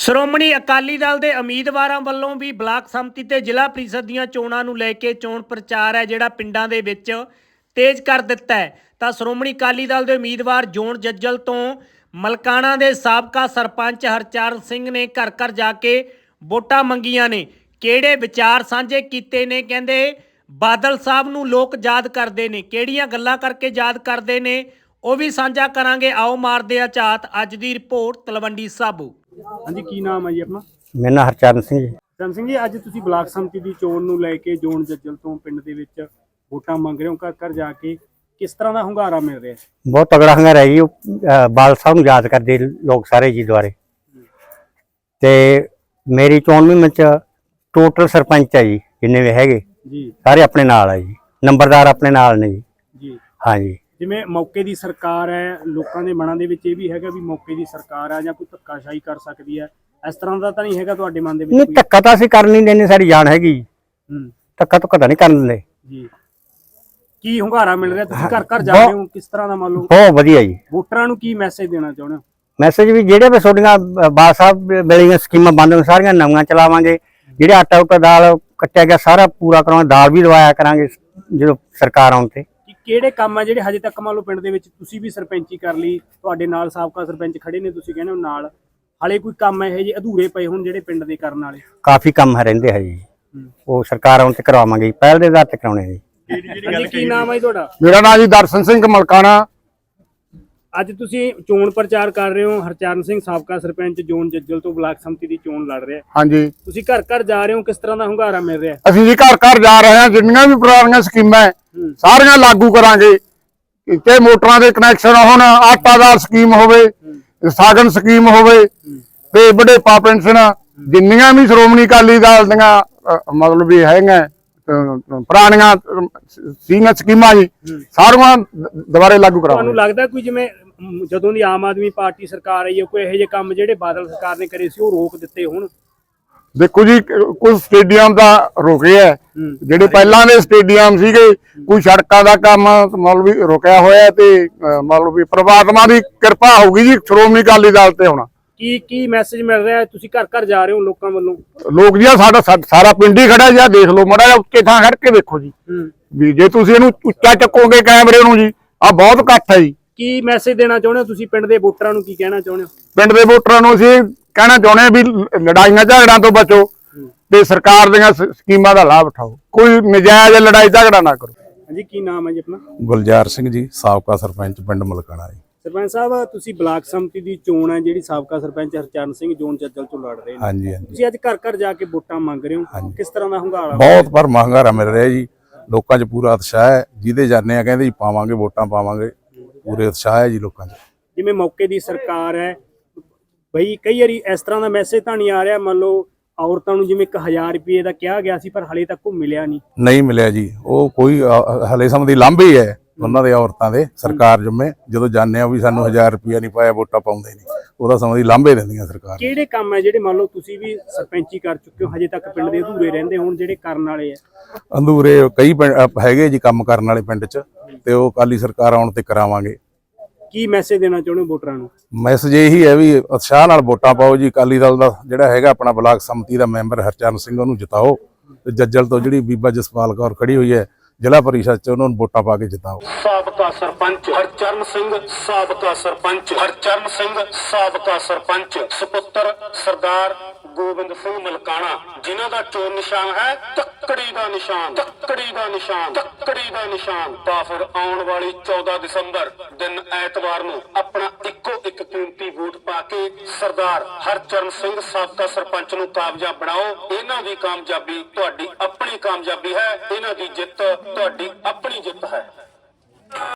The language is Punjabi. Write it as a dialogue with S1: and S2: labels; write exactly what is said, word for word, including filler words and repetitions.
S1: ਸ਼੍ਰੋਮਣੀ ਅਕਾਲੀ ਦਲ ਦੇ ਉਮੀਦਵਾਰਾਂ ਵੱਲੋਂ ਵੀ ਬਲਾਕ ਸੰਮਤੀ ਤੇ ਜ਼ਿਲ੍ਹਾ ਪ੍ਰੀਸ਼ਦ ਦੀਆਂ ਚੋਣਾਂ ਨੂੰ ਲੈ ਕੇ ਚੋਣ ਪ੍ਰਚਾਰ ਹੈ ਜਿਹੜਾ ਪਿੰਡਾਂ ਦੇ ਵਿੱਚ ਤੇਜ਼ ਕਰ ਦਿੱਤਾ ਹੈ। ਤਾਂ ਸ਼੍ਰੋਮਣੀ ਅਕਾਲੀ ਦਲ ਦੇ ਉਮੀਦਵਾਰ ਜੋਨ ਜੱਜਲ ਤੋਂ ਮਲਕਾਣਾ ਦੇ ਸਾਬਕਾ ਸਰਪੰਚ ਹਰਚਰਨ ਸਿੰਘ ਨੇ ਘਰ ਘਰ ਜਾ ਕੇ ਵੋਟਾਂ ਮੰਗੀਆਂ ਨੇ। ਕਿਹੜੇ ਵਿਚਾਰ ਸਾਂਝੇ ਕੀਤੇ ਨੇ, ਕਹਿੰਦੇ ਬਾਦਲ ਸਾਹਿਬ ਨੂੰ ਲੋਕ ਯਾਦ ਕਰਦੇ ਨੇ, ਕਿਹੜੀਆਂ ਗੱਲਾਂ ਕਰਕੇ ਯਾਦ ਕਰਦੇ ਨੇ ਉਹ ਵੀ ਸਾਂਝਾ ਕਰਾਂਗੇ। ਆਓ ਮਾਰਦੇ ਆ ਝਾਤ। ਅੱਜ ਦੀ ਰਿਪੋਰਟ ਤਲਵੰਡੀ ਸਾਬੋ।
S2: ਹਾਂਜੀ, ਕੀ ਨਾਮ ਹੈ ਜੀ ਆਪਣਾ?
S3: ਮੇਰਾ ਨਾਮ ਹਰਚਰਨ ਸਿੰਘ ਜੀ।
S2: ਹਰਚਰਨ ਸਿੰਘ ਜੀ, ਅੱਜ ਤੁਸੀਂ ਬਲਾਕ ਸੰਮਤੀ ਦੀ ਚੋਣ ਨੂੰ ਲੈ ਕੇ ਜੋਨ ਜੱਜਲ ਤੋਂ ਪਿੰਡ ਦੇ ਵਿੱਚ ਵੋਟਾਂ ਮੰਗ ਰਹੇ ਹੋ, ਘਰ ਘਰ ਜਾ ਕੇ ਕਿਸ ਤਰ੍ਹਾਂ ਦਾ ਹੁੰਗਾਰਾ ਮਿਲ ਰਿਹਾ?
S3: ਬਹੁਤ ਤਗੜਾ ਹੁੰਗਾਰਾ ਜੀ। ਬਾਦਲ ਸਾਹਿਬ ਨੂੰ ਯਾਦ ਕਰਦੇ ਲੋਕ ਸਾਰੇ ਜੀ ਦੁਆਰੇ। ਤੇ ਮੇਰੀ ਚੋਣ ਮੁਹਿੰਮ ਚ ਟੋਟਲ ਸਰਪੰਚ ਹੈ ਜੀ, ਜਿੰਨੇ ਵੀ ਹੈਗੇ
S2: ਜੀ
S3: ਸਾਰੇ ਆਪਣੇ ਨਾਲ ਹੈ ਜੀ, ਨੰਬਰਦਾਰ ਆਪਣੇ ਨਾਲ ਨੇ ਜੀ।
S2: ਜੀ
S3: ਹਾਂ ਜੀ।
S2: ਜਿਵੇਂ ਮੌਕੇ ਦੀ ਸਰਕਾਰ ਹੈ, ਲੋਕਾਂ ਦੇ ਮਨਾਂ ਦੇ ਵਿੱਚ ਇਹ ਵੀ ਹੈਗਾ ਵੀ ਮੌਕੇ ਦੀ ਸਰਕਾਰ ਆ ਜਾਂ ਕੋਈ ਧੱਕਾਸ਼ਾਹੀ ਕਰ ਸਕਦੀ ਹੈ, ਇਸ ਤਰ੍ਹਾਂ ਦਾ ਤਾਂ ਨਹੀਂ ਹੈਗਾ ਤੁਹਾਡੇ ਮਨ ਦੇ ਵਿੱਚ?
S3: ਨਹੀਂ, ਧੱਕਾ ਤਾਂ ਅਸੀਂ ਕਰਨ ਨਹੀਂ ਦਿੰਦੇ, ਸਾਡੀ ਜਾਨ ਹੈਗੀ।
S2: ਹੂੰ,
S3: ਧੱਕਾ ਧੁੱਕਾ ਤਾਂ ਨਹੀਂ ਕਰਨ ਦਿੰਦੇ ਜੀ।
S2: ਕੀ ਹੁੰਗਾਰਾ ਮਿਲ ਰਿਹਾ? ਤੁਸੀਂ ਘਰ ਘਰ ਜਾ ਰਹੇ ਹੋ, ਕਿਸ ਤਰ੍ਹਾਂ ਦਾ ਮੰਨ ਲਓ?
S3: ਬਹੁਤ ਵਧੀਆ ਜੀ।
S2: ਵੋਟਰਾਂ ਨੂੰ ਕੀ ਮੈਸੇਜ ਦੇਣਾ ਚਾਹੁੰਦੇ ਹੋ?
S3: ਮੈਸੇਜ ਵੀ ਜਿਹੜੇ ਵੀ ਤੁਹਾਡੀਆਂ ਬਾਦ ਸਾਹਿਬ ਵੇਲੀਆਂ ਸਕੀਮਾਂ ਬੰਦ ਹੋਣ ਸਾਰੀਆਂ ਨਵੀਆਂ ਚਲਾਵਾਂਗੇ। ਜਿਹੜੇ ਆਟਾ ਉਟਾ ਦਾਲ ਕੱਟਿਆ ਗਿਆ ਸਾਰਾ ਪੂਰਾ ਕਰਾਂਗੇ, ਦਾਲ ਵੀ ਦਵਾਇਆ ਕਰਾਂਗੇ ਜਦੋਂ ਸਰਕਾਰ ਆਉਣ ਤੇ।
S2: ਕਿਹੜੇ ਕੰਮ ਆ ਜਿਹੜੇ ਹਜੇ ਤੱਕ ਮੰਨ ਲਓ ਪਿੰਡ ਦੇ ਵਿੱਚ ਤੁਸੀਂ ਵੀ ਸਰਪੰਚੀ ਕਰ ਲਈ, ਤੁਹਾਡੇ ਨਾਲ ਸਾਬਕਾ ਸਰਪੰਚ ਖੜੇ ਨੇ, ਤੁਸੀਂ ਕਹਿੰਦੇ ਹੋ ਨਾਲ, ਹਾਲੇ ਕੋਈ ਕੰਮ ਇਹੋ ਜਿਹੇ ਅਧੂਰੇ ਪਏ ਹੁਣ ਜਿਹੜੇ ਪਿੰਡ ਦੇ ਕਰਨ ਵਾਲੇ?
S3: ਕਾਫੀ ਕੰਮ ਰਹਿੰਦੇ ਹੈ ਜੀ, ਉਹ ਸਰਕਾਰ ਆਉਣ ਤੇ ਕਰਵਾਵਾਂਗੇ, ਪਹਿਲ ਦੇ ਆਧਾਰ ਤੇ ਕਰਾਉਣੇ ਜੀ।
S2: ਕੀ ਨਾਮ ਹੈ ਜੀ ਤੁਹਾਡਾ?
S4: ਮੇਰਾ ਨਾਮ ਜੀ ਦਰਸ਼ਨ ਸਿੰਘ ਮਲਕਾਣਾ।
S2: ਅੱਜ ਤੁਸੀਂ ਚੋਣ ਪ੍ਰਚਾਰ ਕਰ ਰਹੇ ਹੋ, ਹਰਚਰਨ ਸਿੰਘ ਸਾਬਕਾ ਸਰਪੰਚ ਜੋਨ ਜੱਜਲ ਤੋਂ ਬਲਾਕ ਸੰਮਤੀ ਦੀ ਚੋਣ ਲੜ ਰਿਹਾ।
S4: ਹਾਂਜੀ,
S2: ਤੁਸੀਂ ਘਰ ਘਰ ਜਾ ਰਹੇ ਹੋ, ਕਿਸ ਤਰ੍ਹਾਂ ਦਾ ਹੁੰਗਾਰਾ ਮਿਲ ਰਿਹਾ?
S4: ਅਸੀਂ ਜੀ ਘਰ ਘਰ ਜਾ ਰਹੇ ਹਾਂ, ਜਿੰਨੀਆਂ ਵੀ ਪੁਰਾਣੀਆਂ ਸਕੀਮਾਂ ਸਾਰੀਆਂ ਲਾਗੂ ਕਰਾਂਗੇ। ਤੇ ਮੋਟਰਾਂ ਦੇ ਕਨੈਕਸ਼ਨ ਹੋਣ, ਆਟਾ ਦਾਲ ਸਕੀਮ ਹੋਵੇ, ਸਾਗਨ ਸਕੀਮ ਹੋਵੇ, ਤੇ ਵਡੇਪਾ ਪੈਨਸ਼ਨ, ਜਿੰਨੀਆਂ ਵੀ ਸ਼੍ਰੋਮਣੀ ਅਕਾਲੀ ਦਲ ਦੀਆਂ ਮਤਲਬ ਵੀ ਹੈਗੀਆਂ ਪੁਰਾਣੀਆਂ ਸੀਗੀਆਂ ਸਕੀਮਾਂ ਜੀ, ਸਾਰੀਆਂ ਦੁਬਾਰੇ ਲਾਗੂ ਕਰਾਵਾਂਗੇ।
S2: ਤੁਹਾਨੂੰ ਲੱਗਦਾ ਕੋਈ ਜਿਵੇਂ ਜਦੋਂ ਦੀ ਆਮ ਆਦਮੀ ਪਾਰਟੀ ਸਰਕਾਰ ਆਈ ਹੈ, ਕੋਈ ਇਹੋ ਜਿਹੇ ਕੰਮ ਜਿਹੜੇ ਬਾਦਲ ਸਰਕਾਰ ਨੇ ਕਰੇ ਸੀ ਉਹ ਰੋਕ ਦਿੱਤੇ ਹੁਣ? ਦੇਖੋ
S4: ਜੀ, ਕੁਝ ਸਟੇਡੀਅਮ ਦਾ ਰੁਕੇ ਹੈ, ਜਿਹੜੇ ਪਹਿਲਾਂ ਦੇ ਸਟੇਡੀਅਮ ਸੀਗੇ, ਕੋਈ ਸੜਕਾਂ ਦਾ ਕੰਮ ਮਤਲਬ ਵੀ ਰੁਕਿਆ ਹੋਇਆ, ਤੇ ਮਤਲਬ ਵੀ ਪ੍ਰਮਾਤਮਾ ਦੀ ਕਿਰਪਾ ਹੋਊਗੀ ਜੀ ਸ਼੍ਰੋਮਣੀ ਅਕਾਲੀ ਦਲ ਤੇ ਹੁਣ।
S2: ਕੀ ਕੀ ਮੈਸੇਜ ਮਿਲ ਰਿਹਾ? ਤੁਸੀਂ ਘਰ ਘਰ ਜਾ ਰਹੇ ਹੋ ਲੋਕਾਂ ਵੱਲੋਂ?
S4: ਲੋਕ ਜੀ ਸਾਡਾ ਸਾਰਾ ਪਿੰਡ ਹੀ ਖੜਾ ਜੀ, ਦੇਖ ਲਓ ਮਾੜਾ ਜਿਹਾ ਉੱਚੇ ਥਾਂ ਖੜ ਕੇ ਦੇਖੋ ਜੀ, ਵੀ ਜੇ ਤੁਸੀਂ ਇਹਨੂੰ ਉੱਚਾ ਚੱਕੋਗੇ ਕੈਮਰੇ ਨੂੰ ਜੀ, ਆ ਬਹੁਤ ਇਕੱਠ ਹੈ ਜੀ।
S2: ਕੀ ਮੈਸੇਜ ਦੇਣਾ ਚਾਹੁੰਦੇ ਹੋ ਤੁਸੀਂ ਪਿੰਡ ਦੇ ਵੋਟਰਾਂ ਨੂੰ? ਕੀ ਕਹਿਣਾ ਚਾਹੁੰਦੇ ਹੋ
S4: ਪਿੰਡ ਦੇ ਵੋਟਰਾਂ ਨੂੰ? ਅਸੀਂ ਕਹਿਣਾ ਚਾਹੁੰਦੇ ਹਾਂ ਵੀ ਲੜਾਈਆਂ ਝਗੜਿਆਂ ਤੋਂ ਬਚੋ ਤੇ ਸਰਕਾਰ ਦੀਆਂ ਸਕੀਮਾਂ ਦਾ ਲਾਭ ਉਠਾਓ, ਕੋਈ ਨਜਾਇਜ਼ ਲੜਾਈ ਝਗੜਾ ਨਾ ਕਰੋ।
S2: ਹਾਂਜੀ, ਕੀ ਨਾਮ ਹੈ ਜੀ ਆਪਣਾ?
S5: ਗੁਲਜ਼ਾਰ ਸਿੰਘ ਜੀ, ਸਾਬਕਾ ਸਰਪੰਚ ਪਿੰਡ ਮਲਕਾਣਾ ਜੀ।
S2: ਸਰਪੰਚ ਸਾਹਿਬ, ਤੁਸੀਂ ਬਲਾਕ ਸੰਮਤੀ ਦੀ ਚੋਣ ਹੈ ਜਿਹੜੀ ਸਾਬਕਾ ਸਰਪੰਚ ਹਰਚਰਨ ਸਿੰਘ ਜੋਨ ਜੱਜਲ ਤੋਂ ਲੜ ਰਹੇ ਨੇ,
S5: ਹਾਂਜੀ ਹਾਂਜੀ,
S2: ਤੁਸੀਂ ਅੱਜ ਘਰ ਘਰ ਜਾ ਕੇ ਵੋਟਾਂ ਮੰਗ ਰਹੇ ਹੋ, ਕਿਸ ਤਰ੍ਹਾਂ ਦਾ ਹੁੰਗਾਰਾ?
S5: ਬਹੁਤ ਪਰ ਹੁੰਗਾਰਾ ਮਿਲ ਰਿਹਾ ਜੀ, ਲੋਕਾਂ 'ਚ ਪੂਰਾ ਉਤਸ਼ਾਹ ਹੈ। ਜਿਹਦੇ ਜਾਂਦੇ ਆ ਕਹਿੰਦੇ ਜੀ ਪਾਵਾਂਗੇ ਵੋਟਾਂ ਪਾਵਾਂਗੇ, ਪੂਰੇ ਉਤਸ਼ਾਹ ਹੈ ਜੀ ਲੋਕਾਂ 'ਚ।
S2: ਜਿਵੇਂ ਮੌਕੇ ਦੀ ਸਰਕਾਰ ਹੈ ਬਈ, ਕਈ ਵਾਰੀ ਇਸ ਤਰ੍ਹਾਂ ਦਾ ਮੈਸੇਜ ਤਾਂ ਨਹੀਂ ਆ ਰਿਹਾ, ਮੰਨ ਲਓ ਔਰਤਾਂ ਨੂੰ ਜਿਵੇਂ ਇੱਕ ਹਜ਼ਾਰ ਰੁਪਏ ਦਾ ਕਿਹਾ ਗਿਆ ਸੀ ਪਰ ਹਲੇ ਤੱਕ ਉਹ ਮਿਲਿਆ ਨਹੀਂ? ਨਹੀਂ
S5: ਮਿਲਿਆ ਜੀ, ਉਹ ਕੋਈ ਹਲੇ ਸਮੇਂ ਦੀ ਲਾਂਭੇ ਹੈ ਉਹਨਾਂ ਦੇ, ਔਰਤਾਂ ਦੇ। ਸਰਕਾਰ ਜੁਮੇ ਜਦੋਂ ਜਾਂਦੇ ਆ ਵੀ ਸਾਨੂੰ ਹਜ਼ਾਰ ਰੁਪਇਆ ਨਹੀਂ ਪਾਇਆ, ਵੋਟਾਂ ਪਾਉਂਦੇ ਨਹੀਂ, ਉਹਦਾ ਸਮੇਂ ਦੀ ਲਾਂਭੇ ਦਿੰਦੀਆਂ ਸਰਕਾਰ।
S2: ਕਿਹੜੇ ਕੰਮ ਹੈ ਜਿਹੜੇ ਮੰਨ ਲਓ ਤੁਸੀਂ ਵੀ ਸਰਪੰਚੀ ਕਰ ਚੁੱਕੇ ਹੋ, ਹਜੇ ਤੱਕ ਪਿੰਡ ਦੇ ਅਧੂਰੇ ਰਹਿੰਦੇ ਹੋਣ ਜਿਹੜੇ ਕਰਨ ਵਾਲੇ ਆ?
S5: ਅਧੂਰੇ ਕਈ ਹੈਗੇ ਜੀ ਕੰਮ ਕਰਨ ਵਾਲੇ ਪਿੰਡ 'ਚ, ਤੇ ਉਹ ਅਕਾਲੀ ਸਰਕਾਰ ਆਉਣ ਤੇ ਕਰਾਵਾਂਗੇ।
S2: ਕੀ ਮੈਸੇਜ ਦੇਣਾ ਚਾਹੁੰਦੇ ਹੋ ਵੋਟਰਾਂ ਨੂੰ?
S5: ਮੈਸੇਜ ਇਹੀ ਹੈ ਵੀ ਉਤਸ਼ਾਹ ਨਾਲ ਵੋਟਾਂ ਪਾਓ ਜੀ। ਅਕਾਲੀ ਦਲ ਦਾ ਜਿਹੜਾ ਹੈਗਾ ਆਪਣਾ ਬਲਾਕ ਸੰਮਤੀ ਦਾ ਮੈਂਬਰ ਹਰਚਰਨ ਸਿੰਘ, ਉਹਨੂੰ ਜਿਤਾਓ, ਤੇ ਜੱਜਲ ਤੋਂ ਜਿਹੜੀ ਬੀਬਾ ਜਸਪਾਲ ਕੌਰ ਖੜੀ ਹੋਈ ਹੈ ਜ਼ਿਲ੍ਹਾ ਪਰਿਸ਼ਦ 'ਚ, ਉਹਨਾਂ ਨੂੰ ਵੋਟਾਂ ਪਾ ਕੇ ਜਿਤਾਓ।
S6: ਸਾਬਕਾ ਸਰਪੰਚ ਹਰਚਰਨ ਸਿੰਘ, ਸਾਬਕਾ ਸਰਪੰਚ ਹਰਚਰਨ ਸਿੰਘ, ਸਾਬਕਾ ਸਰਪੰਚ ਸੁਪੁੱਤਰ ਸਰਦਾਰ ਗੋਬਿੰਦ ਸਿੰਘ ਮਲਕਾਣਾ, ਜਿਨ੍ਹਾਂ ਦਾ ਚੋਣ ਨਿਸ਼ਾਨ ਹੈ ਤੱਕੜੀ ਦਾ ਨਿਸ਼ਾਨ, ਤੱਕੜੀ ਦਾ ਨਿਸ਼ਾਨ, ਤੱਕੜੀ ਦਾ ਨਿਸ਼ਾਨ। ਤਾਂ ਫਿਰ ਆਉਣ ਵਾਲੀ ਚੌਦਾਂ ਦਸੰਬਰ ਦਿਨ ਐਤਵਾਰ ਨੂੰ ਆਪਣਾ ਇੱਕੋ ਇੱਕ ਕੀਮਤੀ ਵੋਟ ਪਾ ਕੇ ਸਰਦਾਰ ਹਰਚਰਨ ਸਿੰਘ ਸਾਬਕਾ ਸਰਪੰਚ ਨੂੰ ਕਾਮਯਾਬ ਬਣਾਓ। ਇਹਨਾਂ ਦੀ ਕਾਮਯਾਬੀ ਤੁਹਾਡੀ ਆਪਣੀ ਕਾਮਯਾਬੀ ਹੈ, ਇਹਨਾਂ ਦੀ ਜਿੱਤ ਤੁਹਾਡੀ ਆਪਣੀ ਜਿੱਤ ਹੈ।